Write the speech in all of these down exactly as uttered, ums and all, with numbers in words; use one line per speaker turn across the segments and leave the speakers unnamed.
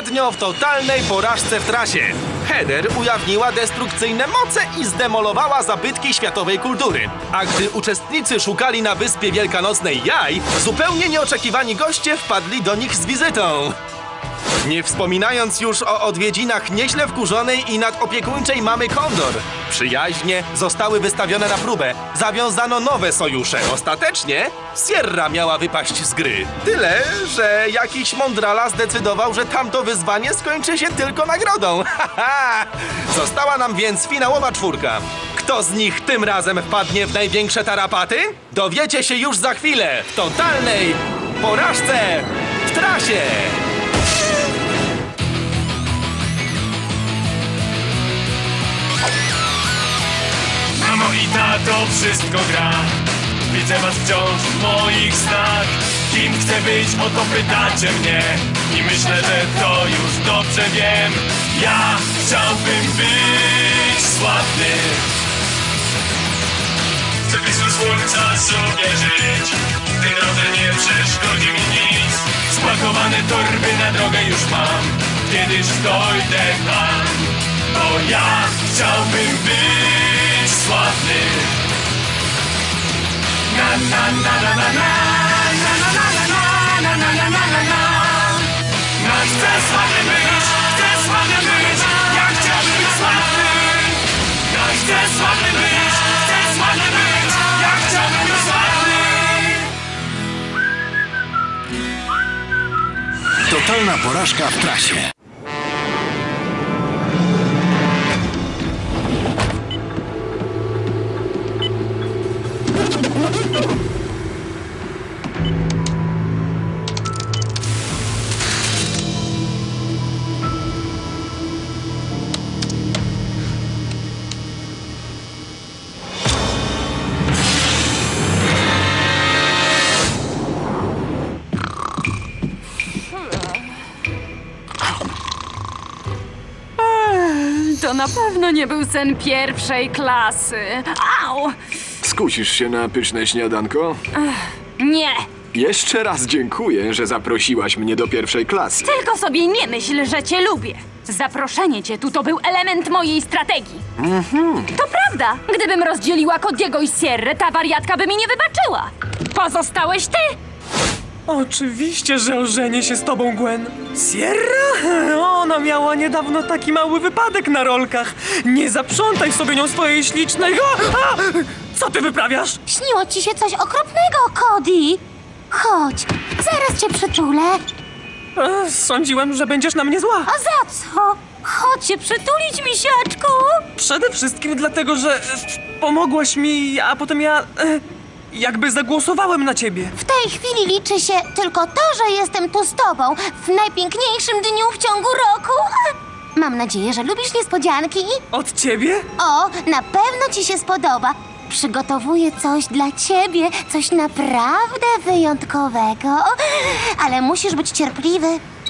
poprzednio w totalnej porażce w trasie. Heather ujawniła destrukcyjne moce i zdemolowała zabytki światowej kultury. A gdy uczestnicy szukali na wyspie wielkanocnej jaj, zupełnie nieoczekiwani goście wpadli do nich z wizytą. Nie wspominając już o odwiedzinach nieźle wkurzonej i nadopiekuńczej mamy Kondor. Przyjaźnie zostały wystawione na próbę. Zawiązano nowe sojusze. Ostatecznie Sierra miała wypaść z gry. Tyle, że jakiś mądrala zdecydował, że tamto wyzwanie skończy się tylko nagrodą. Haha! Została nam więc finałowa czwórka. Kto z nich tym razem wpadnie w największe tarapaty? Dowiecie się już za chwilę w totalnej porażce w trasie.
Mamo i tato, wszystko gra. Widzę was wciąż w moich snach. Kim chcę być, o to pytacie mnie. I myślę, że to już dobrze wiem. Ja chciałbym być sławny. Chcę blisko słońca sobie żyć. W tej drodze nie przeszkodzi mi nic. Spakowane torby na drogę już mam. Kiedyś dojdę tam. Bo ja chciałbym być sławny. Na na na na na na na na na na na na na na. Na chcę sławny być, chcę sławny być. Ja chciałbym być sławny. Ja chcę sławny być, chcę sławny być. Ja chciałbym być sławny.
Totalna porażka w trasie.
To na pewno nie był sen pierwszej klasy. Au!
Skusisz się na pyszne śniadanko?
Nie!
Jeszcze raz dziękuję, że zaprosiłaś mnie do pierwszej klasy.
Tylko sobie nie myśl, że cię lubię. Zaproszenie cię tu to był element mojej strategii. To prawda. Gdybym rozdzieliła Cody'ego i Sierrę, ta wariatka by mi nie wybaczyła. Pozostałeś ty!
Oczywiście, że ożenię się z tobą, Gwen. Sierra? Ona miała niedawno taki mały wypadek na rolkach. Nie zaprzątaj sobie nią swojej ślicznej... A! A! Co ty wyprawiasz?
Śniło ci się coś okropnego, Cody. Chodź, zaraz cię przytulę.
E, Sądziłem, że będziesz na mnie zła.
A za co? Chodź się przytulić, misiaczku.
Przede wszystkim dlatego, że e, pomogłaś mi, a potem ja... E, jakby zagłosowałem na ciebie.
W tej chwili liczy się tylko to, że jestem tu z tobą w najpiękniejszym dniu w ciągu roku. Mam nadzieję, że lubisz niespodzianki.
Od ciebie?
O, na pewno ci się spodoba. Przygotowuję coś dla ciebie, coś naprawdę wyjątkowego. Ale musisz być cierpliwy.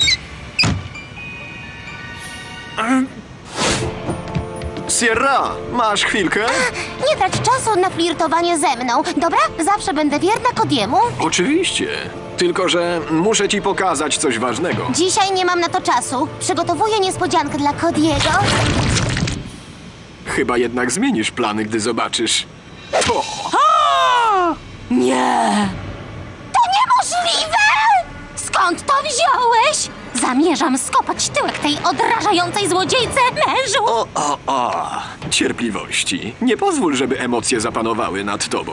Sierra, masz chwilkę?
Nie trać czasu na flirtowanie ze mną, dobra? Zawsze będę wierna Cody'emu.
Oczywiście. Tylko że muszę ci pokazać coś ważnego.
Dzisiaj nie mam na to czasu. Przygotowuję niespodziankę dla Cody'ego.
Chyba jednak zmienisz plany, gdy zobaczysz. O!
Nie!
To niemożliwe! Skąd to wziąłeś? Zamierzam skopać tyłek tej odrażającej złodziejce, mężu!
O, o, o! Cierpliwości. Nie pozwól, żeby emocje zapanowały nad tobą.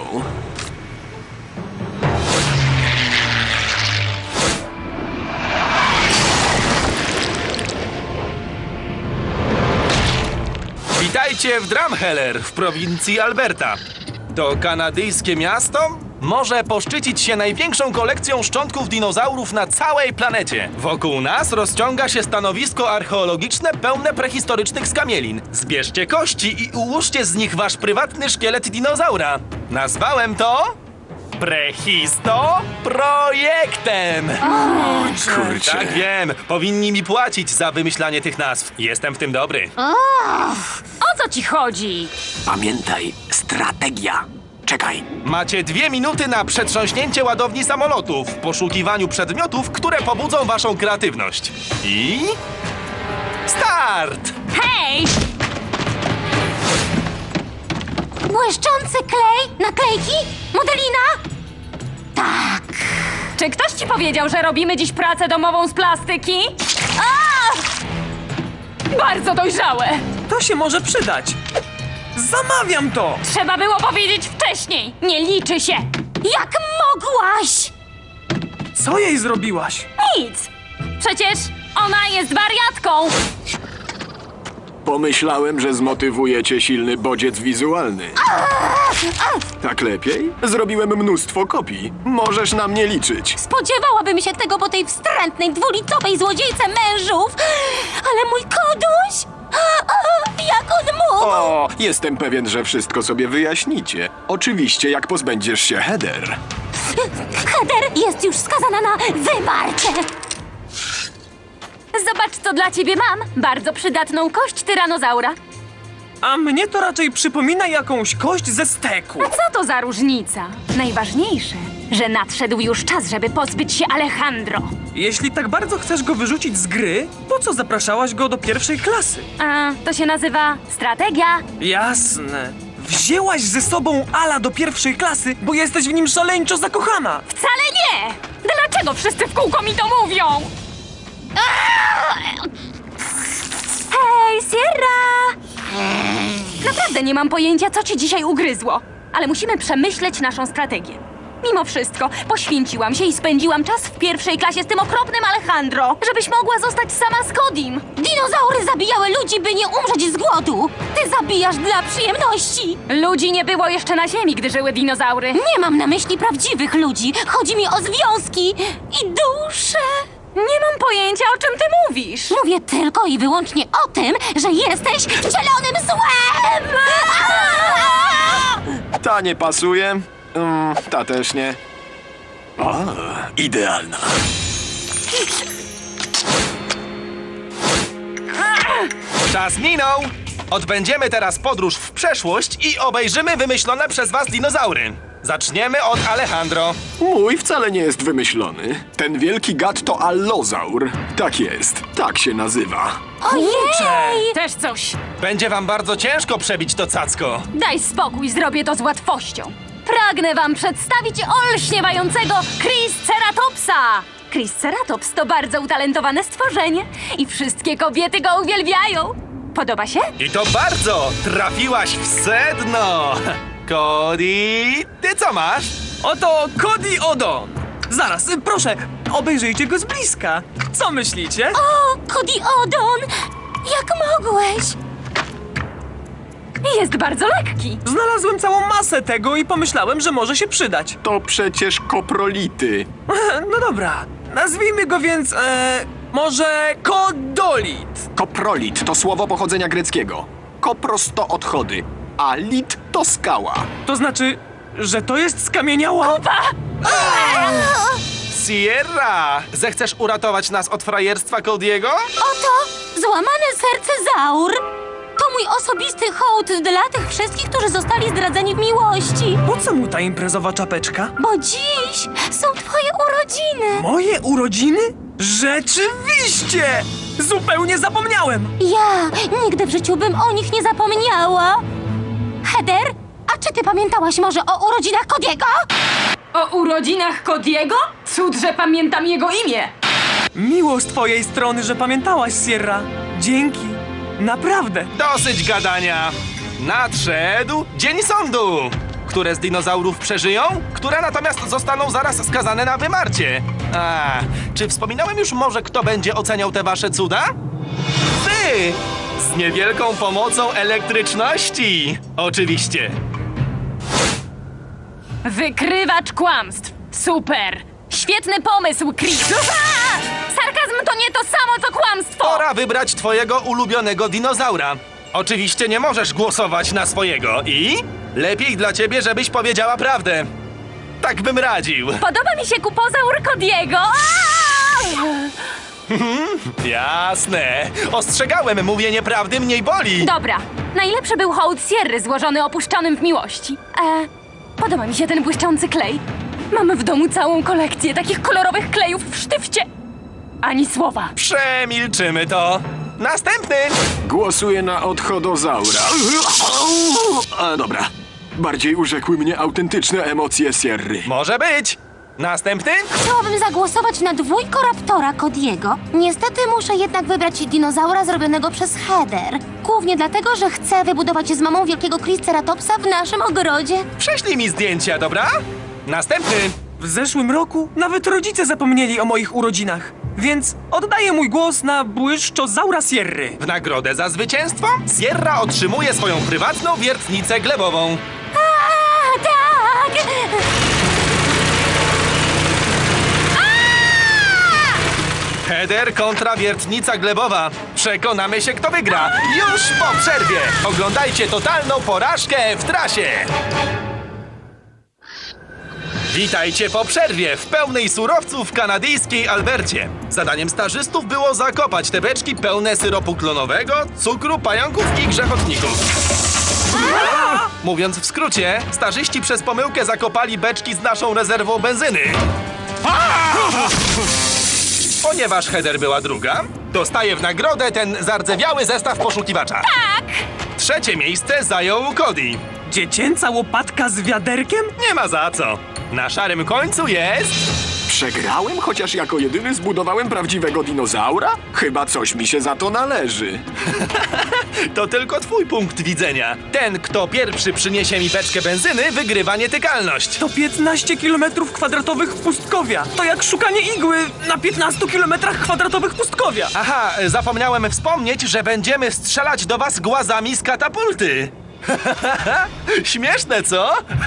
Witajcie w Drumheller w prowincji Alberta. To kanadyjskie miasto może poszczycić się największą kolekcją szczątków dinozaurów na całej planecie. Wokół nas rozciąga się stanowisko archeologiczne pełne prehistorycznych skamielin. Zbierzcie kości i ułóżcie z nich wasz prywatny szkielet dinozaura. Nazwałem to... Prehisto Projektem!
Kurczę.
Tak wiem, powinni mi płacić za wymyślanie tych nazw. Jestem w tym dobry.
O co ci chodzi?
Pamiętaj, strategia.
Czekaj.
Macie dwie minuty na przetrząśnięcie ładowni samolotu w poszukiwaniu przedmiotów, które pobudzą waszą kreatywność. I... start!
Hej!
Błyszczący klej? Naklejki? Modelina? Tak.
Czy ktoś ci powiedział, że robimy dziś pracę domową z plastyki? A! Bardzo dojrzałe!
To się może przydać. Zamawiam to!
Trzeba było powiedzieć wcześniej! Nie liczy się!
Jak mogłaś?
Co jej zrobiłaś?
Nic! Przecież ona jest wariatką!
Pomyślałem, że zmotywuje cię silny bodziec wizualny. Tak lepiej? Zrobiłem mnóstwo kopii. Możesz na mnie liczyć.
Spodziewałabym się tego po tej wstrętnej, dwulicowej złodziejce mężów. Ale mój koduś? Jak on mógł?
O, jestem pewien, że wszystko sobie wyjaśnicie. Oczywiście, jak pozbędziesz się Heather.
Heather jest już skazana na wymarcie.
Zobacz, co dla ciebie mam! Bardzo przydatną kość tyranozaura.
A mnie to raczej przypomina jakąś kość ze steku.
A co to za różnica? Najważniejsze, że nadszedł już czas, żeby pozbyć się Alejandro.
Jeśli tak bardzo chcesz go wyrzucić z gry, po co zapraszałaś go do pierwszej klasy?
A to się nazywa strategia.
Jasne. Wzięłaś ze sobą Ala do pierwszej klasy, bo jesteś w nim szaleńczo zakochana.
Wcale nie! Dlaczego wszyscy w kółko mi to mówią? Hej, Sierra! Naprawdę nie mam pojęcia, co ci dzisiaj ugryzło, ale musimy przemyśleć naszą strategię. Mimo wszystko, poświęciłam się i spędziłam czas w pierwszej klasie z tym okropnym Alejandro, żebyś mogła zostać sama z Kodim.
Dinozaury zabijały ludzi, by nie umrzeć z głodu. Ty zabijasz dla przyjemności.
Ludzi nie było jeszcze na ziemi, gdy żyły dinozaury.
Nie mam na myśli prawdziwych ludzi. Chodzi mi o związki i dusze.
Nie mam pojęcia, o czym ty mówisz.
Mówię tylko i wyłącznie o tym, że jesteś wcielonym złem!
Ta nie pasuje. Mm, ta też nie. O, idealna.
Czas minął! Odbędziemy teraz podróż w przeszłość i obejrzymy wymyślone przez was dinozaury. Zaczniemy od Alejandro.
Mój wcale nie jest wymyślony. Ten wielki gad to allozaur. Tak jest, tak się nazywa.
Ojej!
Też coś.
Będzie wam bardzo ciężko przebić to cacko.
Daj spokój, zrobię to z łatwością. Pragnę wam przedstawić olśniewającego Triceratopsa. Triceratops to bardzo utalentowane stworzenie i wszystkie kobiety go uwielbiają. Podoba się?
I to bardzo! Trafiłaś w sedno! Cody, ty co masz?
Oto Cody Odon. Zaraz, y, proszę, obejrzyjcie go z bliska. Co myślicie?
O, Cody Odon! Jak mogłeś?
Jest bardzo lekki.
Znalazłem całą masę tego i pomyślałem, że może się przydać.
To przecież koprolity.
No dobra, nazwijmy go więc, e, może Kodolit.
Koprolit to słowo pochodzenia greckiego. Kopros to odchody, a lit to skała.
To znaczy, że to jest skamieniała?
Sierra! Zechcesz uratować nas od frajerstwa Cody'ego?
Oto złamane serce Zaur. To mój osobisty hołd dla tych wszystkich, którzy zostali zdradzeni w miłości.
Po co mu ta imprezowa czapeczka?
Bo dziś są twoje urodziny.
Moje urodziny? Rzeczywiście! Zupełnie zapomniałem!
Ja nigdy w życiu bym o nich nie zapomniała. Heather, a czy ty pamiętałaś może o urodzinach Cody'ego?
O urodzinach Cody'ego? Cud, że pamiętam jego imię.
Miło z twojej strony, że pamiętałaś, Sierra. Dzięki. Naprawdę.
Dosyć gadania! Nadszedł Dzień Sądu! Które z dinozaurów przeżyją, które natomiast zostaną zaraz skazane na wymarcie. A, czy wspominałem już może, kto będzie oceniał te wasze cuda? Ty! Z niewielką pomocą elektryczności! Oczywiście!
Wykrywacz kłamstw. Super. Świetny pomysł, Chris. Ufa! Sarkazm to nie to samo, co kłamstwo.
Pora wybrać twojego ulubionego dinozaura. Oczywiście nie możesz głosować na swojego i lepiej dla ciebie, żebyś powiedziała prawdę. Tak bym radził.
Podoba mi się kupozaur Cody'ego.
Jasne. Ostrzegałem, mówienie prawdy mniej boli.
Dobra. Najlepszy był hołd Sierry złożony opuszczonym w miłości. E, Podoba mi się ten błyszczący klej. Mamy w domu całą kolekcję takich kolorowych klejów w sztywcie. Ani słowa.
Przemilczymy to. Następny!
Głosuję na odchodozaura. A dobra. Bardziej urzekły mnie autentyczne emocje Sierry.
Może być. Następny?
Chciałabym zagłosować na dwójkoraptora Cody'ego. Niestety muszę jednak wybrać dinozaura zrobionego przez Heather. Głównie dlatego, że chcę wybudować z mamą wielkiego Triceratopsa w naszym ogrodzie.
Prześlij mi zdjęcia, dobra? Następny!
W zeszłym roku nawet rodzice zapomnieli o moich urodzinach. Więc oddaję mój głos na błyszczozaura Sierry.
W nagrodę za zwycięstwo Sierra otrzymuje swoją prywatną wiertnicę glebową.
A, tak!
Heather kontra wiertnica glebowa. Przekonamy się, kto wygra. Już po przerwie. Oglądajcie totalną porażkę w trasie. Witajcie po przerwie w pełnej surowców w kanadyjskiej Albercie. Zadaniem stażystów było zakopać te beczki pełne syropu klonowego, cukru, pająków i grzechotników. Mówiąc w skrócie, stażyści przez pomyłkę zakopali beczki z naszą rezerwą benzyny. Ponieważ Heather była druga, dostaje w nagrodę ten zardzewiały zestaw poszukiwacza. Tak! Trzecie miejsce zajął Cody.
Dziecięca łopatka z wiaderkiem?
Nie ma za co. Na szarym końcu jest...
Przegrałem, chociaż jako jedyny zbudowałem prawdziwego dinozaura? Chyba coś mi się za to należy.
To tylko twój punkt widzenia. Ten, kto pierwszy przyniesie mi beczkę benzyny, wygrywa nietykalność.
To piętnaście kilometrów kwadratowych pustkowia. To jak szukanie igły na piętnastu kilometrach kwadratowych pustkowia.
Aha, zapomniałem wspomnieć, że będziemy strzelać do was głazami z katapulty. Śmieszne, co?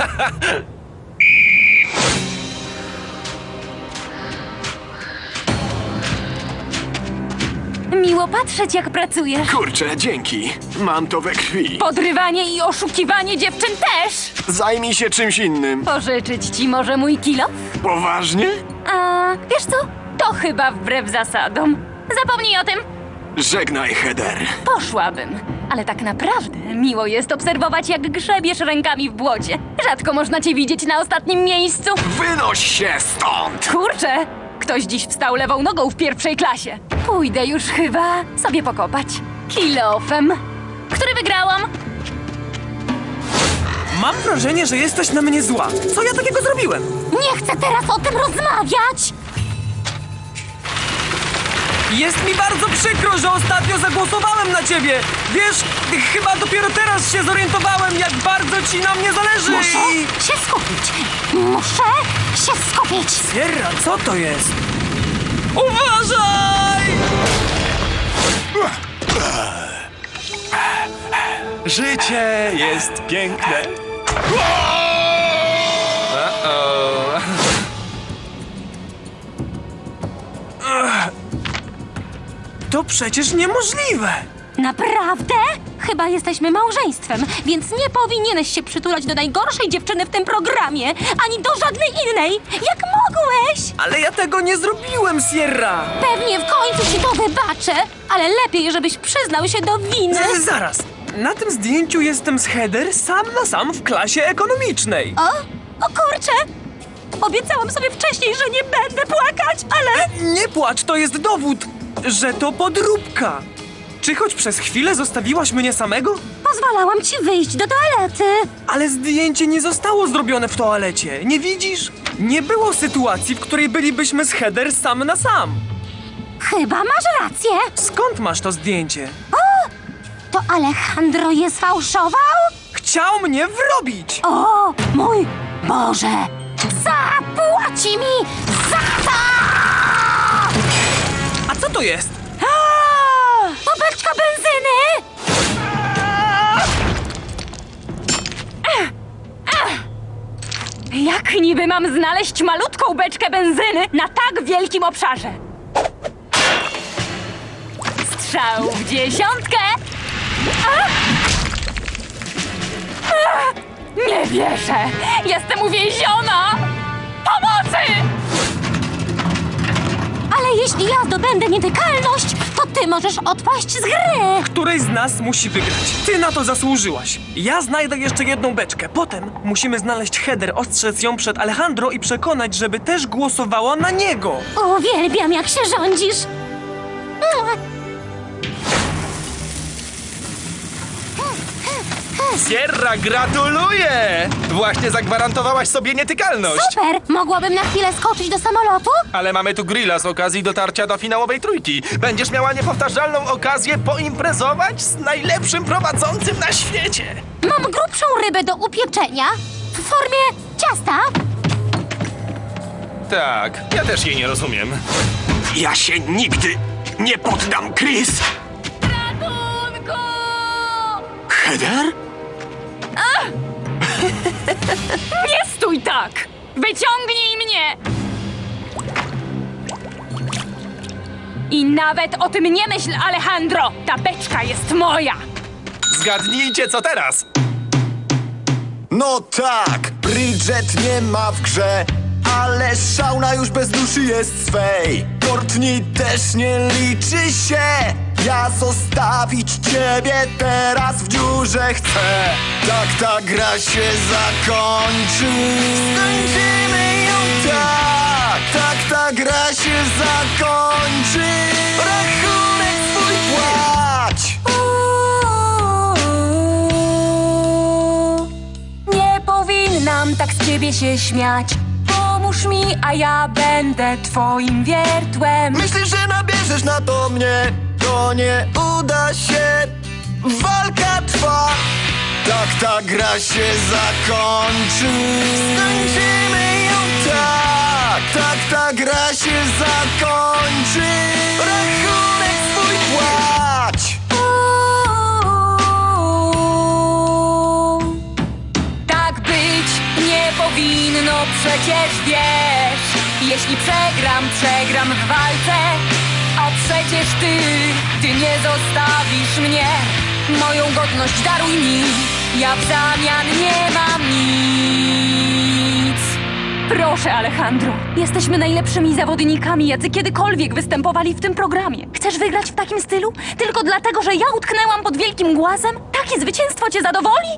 Miło patrzeć, jak pracujesz.
Kurczę, dzięki. Mam to we krwi.
Podrywanie i oszukiwanie dziewczyn też.
Zajmij się czymś innym.
Pożyczyć ci może mój kilo?
Poważnie?
A wiesz co? To chyba wbrew zasadom. Zapomnij o tym.
Żegnaj, Heather.
Poszłabym. Ale tak naprawdę miło jest obserwować, jak grzebiesz rękami w błocie. Rzadko można cię widzieć na ostatnim miejscu.
Wynoś się stąd!
Kurczę, ktoś dziś wstał lewą nogą w pierwszej klasie. Pójdę już chyba sobie pokopać. Kilofem. Który wygrałam?
Mam wrażenie, że jesteś na mnie zła. Co ja takiego zrobiłem?
Nie chcę teraz o tym rozmawiać!
Jest mi bardzo przykro, że ostatnio zagłosowałem na ciebie. Wiesz, chyba dopiero teraz się zorientowałem, jak bardzo ci na mnie zależy.
Muszę
i-
się skupić! Muszę się skupić!
Sierra, co to jest? Uważaj!
Życie jest piękne. Uh-oh.
To przecież niemożliwe.
Naprawdę? Chyba jesteśmy małżeństwem, więc nie powinieneś się przytulać do najgorszej dziewczyny w tym programie, ani do żadnej innej. Jak mogłeś?
Ale ja tego nie zrobiłem, Sierra.
Pewnie w końcu ci to wybaczę, ale lepiej, żebyś przyznał się do winy.
Z- Zaraz. Na tym zdjęciu jestem z Heather sam na sam w klasie ekonomicznej.
O, o kurczę! Obiecałam sobie wcześniej, że nie będę płakać, ale...
Nie płacz, to jest dowód, że to podróbka. Czy choć przez chwilę zostawiłaś mnie samego?
Pozwalałam ci wyjść do toalety.
Ale zdjęcie nie zostało zrobione w toalecie, nie widzisz? Nie było sytuacji, w której bylibyśmy z Heather sam na sam.
Chyba masz rację.
Skąd masz to zdjęcie?
To Alejandro je sfałszował?
Chciał mnie wrobić!
O, mój Boże! Zapłaci mi za to!
A co to jest?
To beczka benzyny!
Jak niby mam znaleźć malutką beczkę benzyny na tak wielkim obszarze? Strzał w dziesiątkę! A! A! Nie wierzę! Jestem uwięziona! Pomocy!
Ale jeśli ja zdobędę nietykalność, to Ty możesz odpaść z gry!
Któryś z nas musi wygrać. Ty na to zasłużyłaś. Ja znajdę jeszcze jedną beczkę. Potem musimy znaleźć Heather, ostrzec ją przed Alejandro i przekonać, żeby też głosowała na niego.
Uwielbiam, jak się rządzisz!
Sierra, gratuluję! Właśnie zagwarantowałaś sobie nietykalność.
Super! Mogłabym na chwilę skoczyć do samolotu?
Ale mamy tu grilla z okazji dotarcia do finałowej trójki. Będziesz miała niepowtarzalną okazję poimprezować z najlepszym prowadzącym na świecie.
Mam grubszą rybę do upieczenia w formie ciasta.
Tak, ja też jej nie rozumiem.
Ja się nigdy nie poddam, Chris!
Ratunku!
Heather?
Nie stój tak! Wyciągnij mnie! I nawet o tym nie myśl, Alejandro! Ta beczka jest moja!
Zgadnijcie, co teraz?
No tak, Bridget nie ma w grze, ale Shauna już bez duszy jest swej. Courtney też nie liczy się. Ja zostawić ciebie teraz w dziurze chcę. Tak ta gra się zakończy. Skończymy ją tak. Tak ta gra się zakończy. Rachunek swój płać.
Nie powinnam tak z ciebie się śmiać. Pomóż mi, a ja będę twoim wiertłem.
Myślisz, że nabierzesz na to mnie? To nie uda się. Walka trwa. Tak ta gra się zakończy. Skończymy ją tak. Tak ta gra się zakończy. Rachunek swój płać.
Tak być nie powinno, przecież wiesz. Jeśli przegram, przegram w walce. A przecież ty, ty nie zostawisz mnie. Moją godność daruj mi, ja w zamian nie mam nic.
Proszę, Alejandro. Jesteśmy najlepszymi zawodnikami, jacy kiedykolwiek występowali w tym programie. Chcesz wygrać w takim stylu? Tylko dlatego, że ja utknęłam pod wielkim głazem? Takie zwycięstwo cię zadowoli?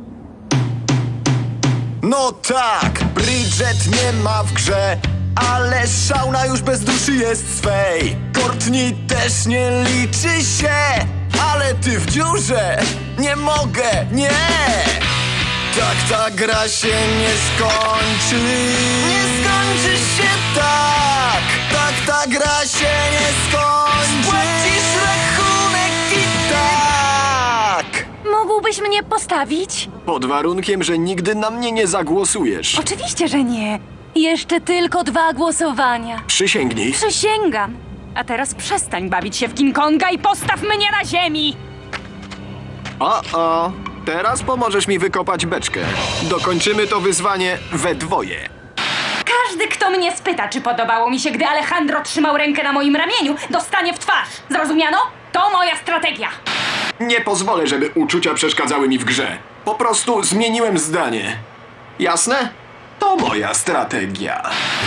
No tak, Bridget nie ma w grze, ale Shauna już bez duszy jest swej. Courtney też nie liczy się, ale ty w dziurze. Nie mogę, nie. Tak ta gra się nie skończy. Nie skończy się tak. Tak ta gra się nie skończy. Spłacisz rachunek i tak.
Mógłbyś mnie postawić?
Pod warunkiem, że nigdy na mnie nie zagłosujesz.
Oczywiście, że nie. Jeszcze tylko dwa głosowania.
Przysięgnij.
Przysięgam. A teraz przestań bawić się w King Konga i postaw mnie na ziemi!
O, o. Teraz pomożesz mi wykopać beczkę. Dokończymy to wyzwanie we dwoje.
Każdy, kto mnie spyta, czy podobało mi się, gdy Alejandro trzymał rękę na moim ramieniu, dostanie w twarz. Zrozumiano? To moja strategia.
Nie pozwolę, żeby uczucia przeszkadzały mi w grze. Po prostu zmieniłem zdanie. Jasne? To moja strategia.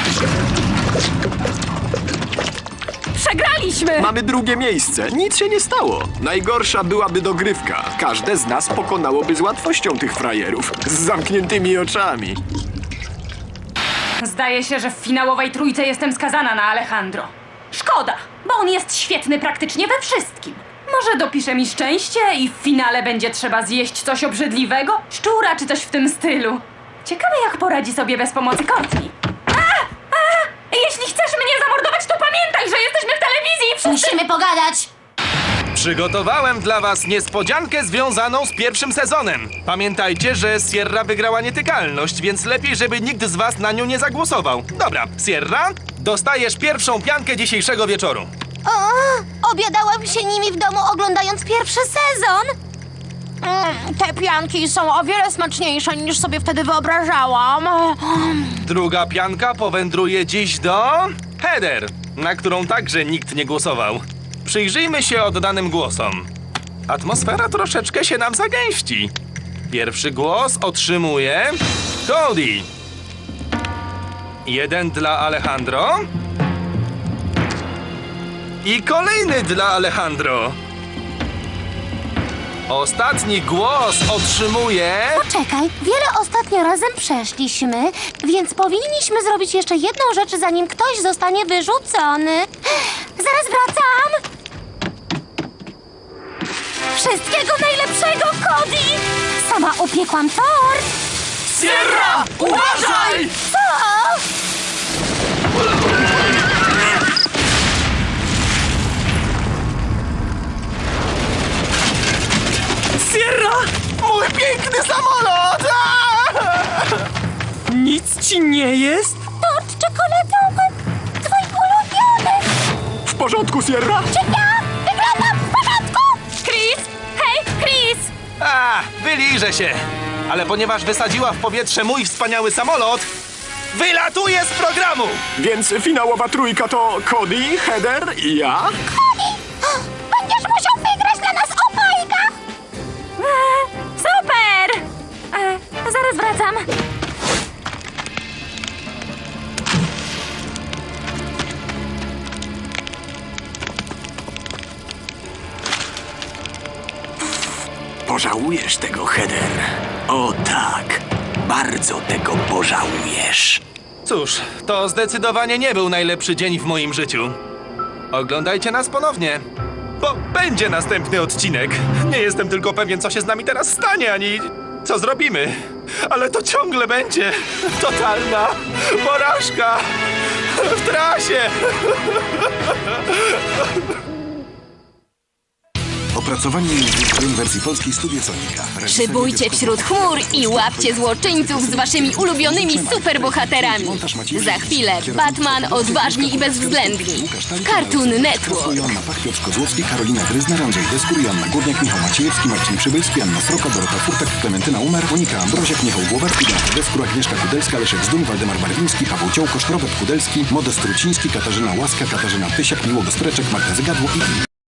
Przegraliśmy!
Mamy drugie miejsce. Nic się nie stało. Najgorsza byłaby dogrywka. Każde z nas pokonałoby z łatwością tych frajerów. Z zamkniętymi oczami.
Zdaje się, że w finałowej trójce jestem skazana na Alejandro. Szkoda, bo on jest świetny praktycznie we wszystkim. Może dopisze mi szczęście i w finale będzie trzeba zjeść coś obrzydliwego? Szczura czy coś w tym stylu. Ciekawe, jak poradzi sobie bez pomocy Courtney. A! A! Jeśli chcesz mnie zamordować, to pamiętaj, że jesteśmy w telewizji i wszyscy...
Musimy pogadać!
Przygotowałem dla was niespodziankę związaną z pierwszym sezonem. Pamiętajcie, że Sierra wygrała nietykalność, więc lepiej, żeby nikt z was na nią nie zagłosował. Dobra, Sierra, dostajesz pierwszą piankę dzisiejszego wieczoru.
O, obiadałam się nimi w domu, oglądając pierwszy sezon. Mm, te pianki są o wiele smaczniejsze, niż sobie wtedy wyobrażałam.
Druga pianka powędruje dziś do... Heather, na którą także nikt nie głosował. Przyjrzyjmy się oddanym głosom. Atmosfera troszeczkę się nam zagęści. Pierwszy głos otrzymuje... Cody. Jeden dla Alejandro. I kolejny dla Alejandro. Ostatni głos otrzymuje...
Czekaj, wiele ostatnio razem przeszliśmy, więc powinniśmy zrobić jeszcze jedną rzecz, zanim ktoś zostanie wyrzucony. Zaraz wracam! Wszystkiego najlepszego, Cody! Sama upiekłam tort!
Sierra! Uważaj!
Co?
Sierra!
Mój piękny samolot!
Nic ci nie jest?
Tort czekoladowy! Twój ulubiony!
W porządku, Sierra?
Czy ja wyglądam w porządku?
Chris! Hej, Chris!
A, wyliżę się. Ale ponieważ wysadziła w powietrze mój wspaniały samolot, wylatuję z programu!
Więc finałowa trójka to Cody, Heather i ja?
Będziesz musiał wygrać dla nas obojga!
E, super! E, zaraz wracam.
Pożałujesz tego, Heather. O tak, bardzo tego pożałujesz.
Cóż, to zdecydowanie nie był najlepszy dzień w moim życiu. Oglądajcie nas ponownie, bo będzie następny odcinek. Nie jestem tylko pewien, co się z nami teraz stanie, ani co zrobimy. Ale to ciągle będzie totalna porażka w trasie.
Opracowanie językowym wersji polskiej Studio Sonika. Reżyseria
Szybujcie
Piotrkowa-
wśród chmur i łapcie złoczyńców z waszymi ulubionymi superbohaterami. Za chwilę Batman, odważni i bezwzględni. Cartoon Network.
Joanna Pach, Piotr Kozłowski, Karolina Gryzner, Andrzej Deskur, Joanna Górniak, Michał Maciejewski, Marcin Przybylski, Anna Sroka, Dorota Furtak, Klementyna Umer, Monika Ambroziak, Michał Głowacki, Beata Deskur, Agnieszka Kudelska, Leszek Zdum, Waldemar Barwiński, Paweł Ciołkosz, Robert Kudelski, Modest Truciński, Katarzyna Łaska, Katarzyna Tysiak, Miłogo Streczek, Marta Zygadło i inni.